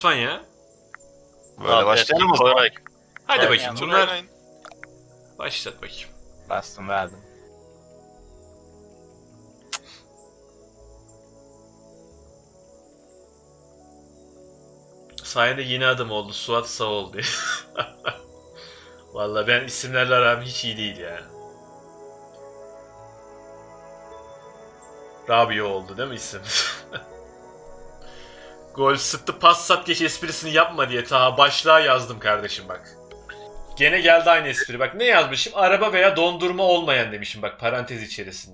lütfen ya. Böyle başlayalım o zaman. Hadi Evet, bakayım yani bunlar. oynayın. Başlat bakayım. Bastım verdim. Sayende yeni adım oldu. Suat sağ ol diye. Vallahi ben isimlerle aram hiç iyi değil ya. Rabio oldu değil mi isim? Gol sıktı pas sat geç esprisini yapma diye ta başlığa yazdım kardeşim bak. Gene geldi aynı espri. Bak ne yazmışım? Araba veya dondurma olmayan demişim bak parantez içerisinde.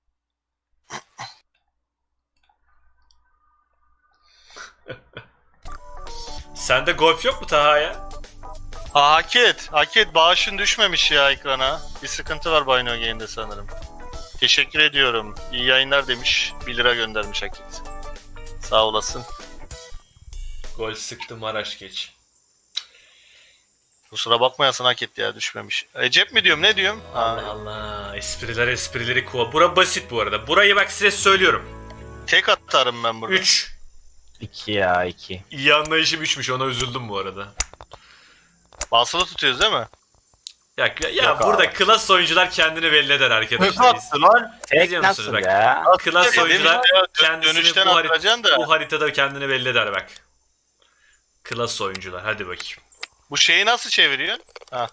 Sende golf yok mu Taha ya? Hak et. Bağışın düşmemiş ya ekrana. Bir sıkıntı var Bino Game'de sanırım. Teşekkür ediyorum. İyi yayınlar demiş. 1 lira göndermiş Hak et. Sağ olasın. Gol sıktı Maraş geç. Kusura bakmayasın Hak et ya düşmemiş. Cep mi diyorum ne diyorum? Allah Allah. Esprileri kova. Bura basit bu arada. Burayı bak size söylüyorum. Tek atarım ben burada. 3. 2 ya 2. İyi anlayışım 3'müş. Ona üzüldüm bu arada. Basılı tutuyoruz değil mi? Ya burada klas oyuncular kendini belli eder arkadaşlar. lan? Tek Biliyor musunuz nasıl bak? ya? Klas Dedim oyuncular ya, kendisini dönüşten bu, atacaksın da. bu haritada kendini belli eder bak. Klas oyuncular. Hadi bakayım. Bu şeyi nasıl çeviriyorsun? Ha.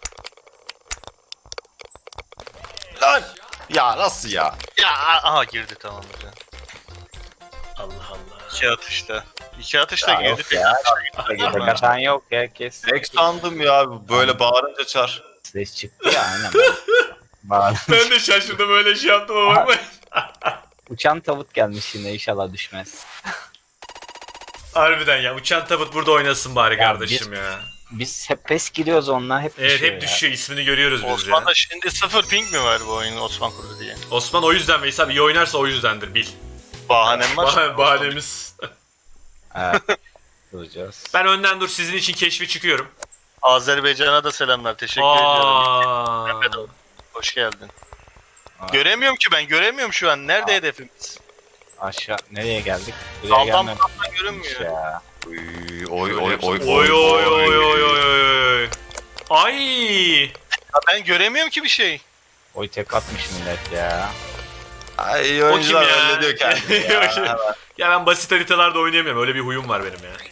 Lan! Ya nasıl ya? Ya aha girdi tamam güzel. Allah Allah. 2 atışta. 2 atışta Ya girdi. yok ya. Tek atan yok herkes. Tek sandım ya böyle bağırınca çar. Ses çıktı ya aynen. Bağır. Ben de şaşırdım öyle şey yaptım ama. Uçan tavuk gelmiş yine inşallah düşmez. Harbiden ya. Uçan tabut burada oynasın bari Ya kardeşim ya. Biz hep pes giriyoruz onunla hep Evet düşüyor hep ya. düşüyor. İsmini görüyoruz biz ya. Osman'da şimdi 0 ping mi var bu oyunu Osman kurdu diye? Osman o yüzden Veysel iyi oynarsa o yüzdendir bil. Bahanem var. Bahanemiz. Evet. Duracağız. Ben önden dur sizin için keşfi çıkıyorum. Azerbaycan'a da selamlar. Teşekkür ediyorum. Aa. Mehmet abi, hoş geldin. Aa. Göremiyorum ki ben. Göremiyorum şu an. Nerede hedefimiz? Aşağı nereye geldik? Buraya Daldan gelmemiş budaktan görünmüyor. ya. Oy Oy oy oy oy oy. Ay. Ya ben göremiyorum ki bir şey. Oy tek atmış millet ya. Ay O kim oyuncular ya? hallediyor kendini ya. Ya ben basit haritalarda oynayamıyorum. Öyle bir huyum var benim ya.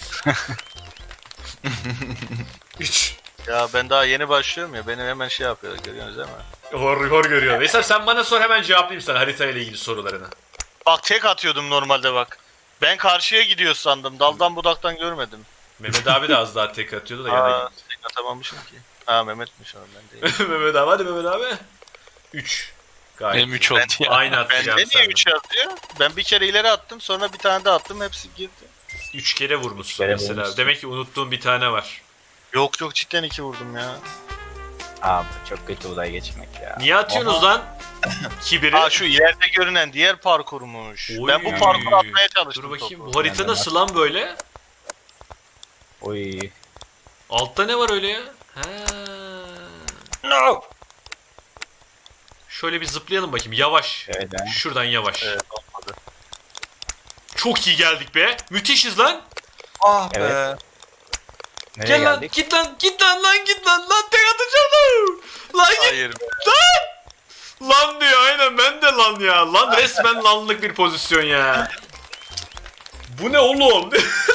3. Ya ben daha yeni başlıyorum ya. Benim hemen şey yapıyor. Görüyorsunuz değil mi? Hor görüyor. Veysel sen bana sor hemen cevaplayayım sana haritayla ilgili sorularını. Bak tek atıyordum normalde bak. Ben karşıya gidiyor sandım. Daldan budaktan görmedim. Mehmet abi de az daha tek atıyordu da Aa, ya. tek atamamışım ki. Ha Mehmet'miş o ben değil. Mehmet abi hadi Mehmet abi. 3. Gayet. Benim 3 iyi. oldu ya. Aynı Bende atacağım niye sana. 3 yazıyor? Ben bir kere ileri attım sonra bir tane daha attım hepsi girdi. 3 kere vurmuşsun Üç kere mesela. vurmuşsun. Demek ki unuttuğun bir tane var. Yok cidden 2 vurdum ya. Abi çok kötü olay geçmek ya. Niye atıyorsunuz lan? Kibiri. Aa şu ileride görünen diğer parkurmuş. Oy. Ben bu parkuru atmaya çalıştım. Dur bakayım. topu. Bu harita Yani nasıl lan böyle? Oy. Altta ne var öyle ya? Ha. No. Şöyle bir zıplayalım bakayım. Yavaş. Evet ha. Şuradan yavaş. Evet olmadı. Çok iyi geldik be. Müthişiz lan. Ah Evet. be. Nereye Gel lan. geldik? Git lan. Git lan lan git lan. Lan tek atacağım lan. Lan git. Hayır be. Lan diyor aynen ben de lan ya. Lan resmen lanlık bir pozisyon ya. Bu ne oğlum?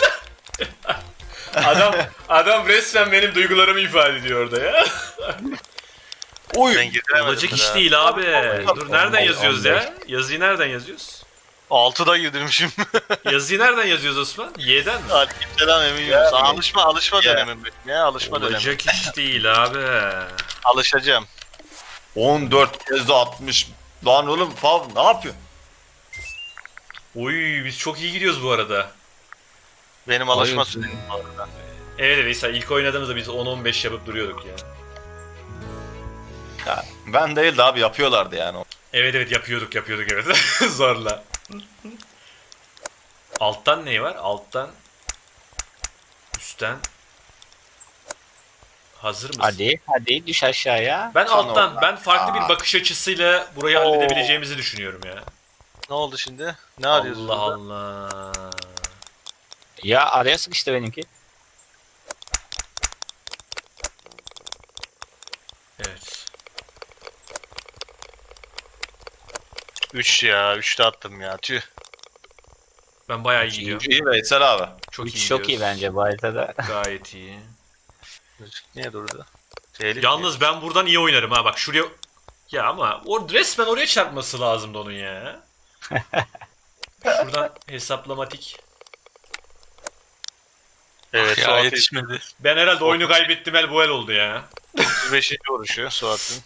adam resmen benim duygularımı ifade ediyor orada ya. Oy. Ben giremedim. Olacak iş daha. değil abi. Dur nereden 15, yazıyoruz ya? Yazıyı nereden yazıyoruz? 6'da girdirmişim. Yazıyı nereden yazıyoruz Osman? Y'den mi? Aleykümselam eminim. Yani. Alışma Ya. dönemim benim ya. Alışma dönemi. Olacak iş değil abi. Alışacağım. 14 kez de 60. Lan oğlum fav ne yapıyorsun? Oy biz çok iyi gidiyoruz bu arada. Benim alışma Hayır. sürecim bu arada. Evet Veysel ilk oynadığımızda biz 10-15 yapıp duruyorduk ya. Ya, ben değil de abi yapıyorlardı yani. Evet yapıyorduk evet. Zorla. Alttan ne var? Alttan. Üstten. Hazır mısın? Hadi düş aşağıya. Ben Son alttan, orta. ben farklı bir Aa. bakış açısıyla burayı Oo. halledebileceğimizi düşünüyorum ya. Ne oldu şimdi? Ne arıyorsun? Allah burada? Allah. Ya araya sıkıştı benimki. 3 ya. 3'te attım ya. Tüh. Ben bayağı iyi gidiyorum. İyi Veysel abi. Çok iyi 3 çok iyi gidiyoruz. bence bu haritada. Gayet iyi. Niye durdu? Tehlikeli. Yalnız ben buradan iyi oynarım ha bak şuraya... Ya ama resmen oraya çarpması lazımdı onun ya. Şuradan hesaplamatik. Evet, Ya Suat yetişmedi. Ben herhalde oyunu kaybettim el bu el oldu ya. 35. vuruşu Suat'ın.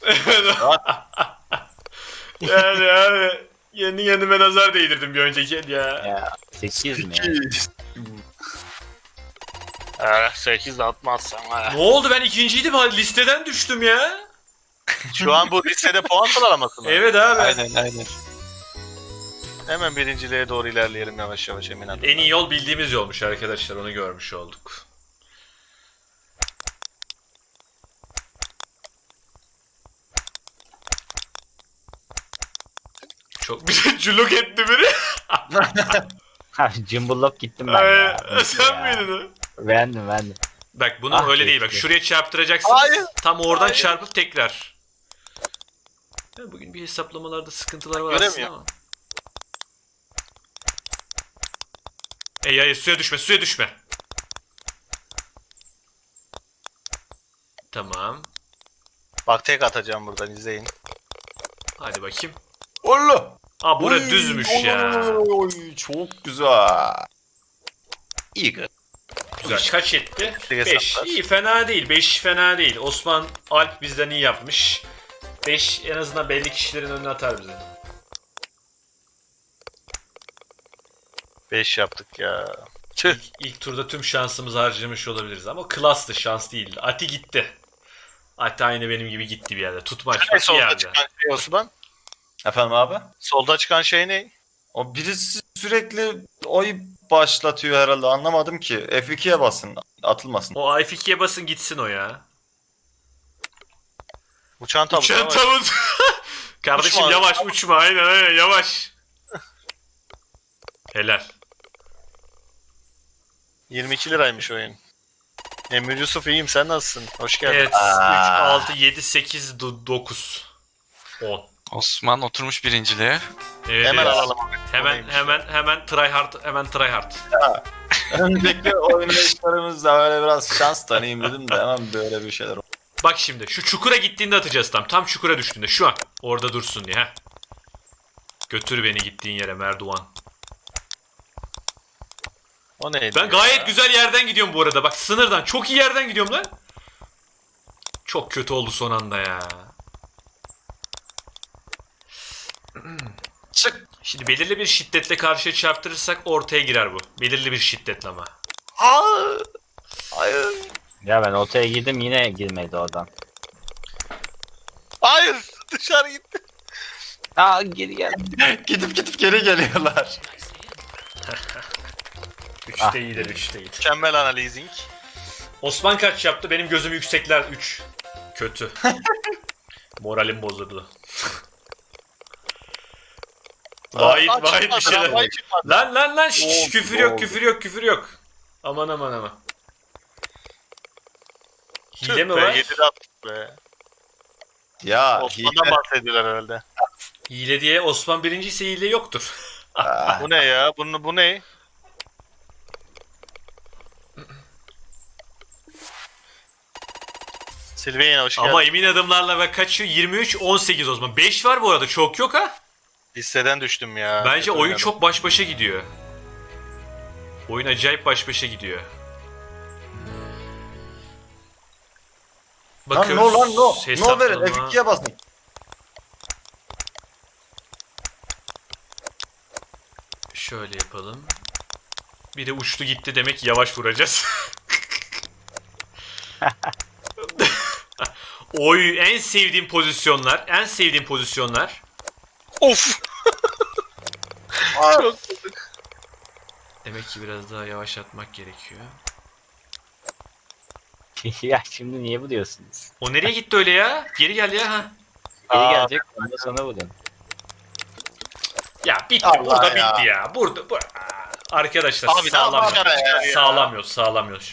yani kendi kendime nazar değdirdim bir önceki el ya. Ya 8 mi ya? 8 de atmazsan. Ne oldu ben ikinciydim ha listeden düştüm ya. Şu an bu listede puan sıralaması mı? Evet abi. Aynen. Hemen birinciliğe doğru ilerleyelim yavaş yavaş emin adımlar. En iyi yol bildiğimiz yolmuş arkadaşlar onu görmüş olduk. Çok bir culluk etti biri. Ha cımbıllop gittim ben Ay, ya. sen Ya. miydin o? Beğendim. Bak bunu Ah, öyle değil bak keşke. şuraya çarptıracaksınız. Hayır. Tam oradan Hayır. çarpıp tekrar. Ya bugün bir hesaplamalarda sıkıntılar var aslında Göremiyorum. ama. Hayır suya düşme. Tamam. Bak tek atacağım buradan izleyin. Hadi bakayım. Allah. Aa bura Oy, düzmüş oy, ya. Oy, çok güzel. İyi kız. Güzel. Kaç etti? Bir 5. hesaplar. İyi fena değil. 5 fena değil. Osman Alp bizden iyi yapmış. 5 en azından belli kişilerin önüne atar bize. 5 yaptık ya. Tüh. İlk turda tüm şansımızı harcamış olabiliriz ama klastı şans değildi. Ati gitti. Ati aynı benim gibi gitti bir yerde. Tutmaç Ne bak bir solda yerde. çıkan şey Osman? Efendim abi? Solda çıkan şey ne? O birisi sürekli oy başlatıyor herhalde anlamadım ki. F2'ye basın atılmasın. O F2'ye basın gitsin o ya. Uçan tabut. Uçan ama- tavut. Kardeşim Uçma. yavaş uçma aynen yavaş. Helal. 22 liraymış oyun. Emir Yusuf iyiyim sen nasılsın? Hoş geldin. Evet 3, Aa. 6, 7, 8, 9, 10. Osman oturmuş birinciliğe. Evet, Hemen evet. alalım. Hemen try hard. Önceki oynayışlarımızda öyle biraz şans tanıyayım dedim de hemen böyle bir şeyler oldu. Bak şimdi şu çukura gittiğinde atacağız tam çukura düştüğünde şu an orada dursun diye ha. Götür beni gittiğin yere Merduvan. O neydi? Ben ya? gayet güzel yerden gidiyorum bu arada. Bak sınırdan çok iyi yerden gidiyorum lan. Çok kötü oldu son anda ya. Çık. Şimdi belirli bir şiddetle karşıya çarptırırsak ortaya girer bu. Belirli bir şiddetle ama. Aa, hayır. Ya ben ortaya girdim yine girmedi oradan. Hayır! Dışarı gitti. Aa geri gel. Gidip geri geliyorlar. 3'te iyidir 3'te iyidir. Mükemmel analizing. Osman kaç yaptı? Benim gözüm yüksekler 3. Kötü. Moralim bozuldu. Vahit bir şeyler. Vahit çıkmadı. Lan şş, Oldu, küfür yok oldu. küfür yok. Aman. Hile mi Tüh be, var? 7'de attık be. Ya Osman'dan bahsediyorlar herhalde. Hile diye Osman birinci ise hile yoktur. Ah, Bu ne ya? Bu ne? Silveyna hoş geldin. Ama emin adımlarla ve kaçıyor? 23-18 Osman. 5 var bu arada çok yok ha. Listeden düştüm ya. Bence Kötü oyun oynadım. çok baş başa gidiyor. Oyun acayip baş başa gidiyor. lan no lan no. No verin Hesaplama. F2'ye basın. Şöyle yapalım. Biri uçtu gitti demek ki yavaş vuracağız. Oy en sevdiğim pozisyonlar. Of! Çok Demek ki biraz daha yavaşlatmak gerekiyor. Ya şimdi niye bu diyorsunuz? O nereye gitti öyle ya? Geri gel ya. Ha. Geri Aa. gelecek ondan sonra vurun. Ya bitti. Allah Burada ya. bitti ya. Burada. Arkadaşlar Abi, sağlam. daha başara ya. Sağlam yok.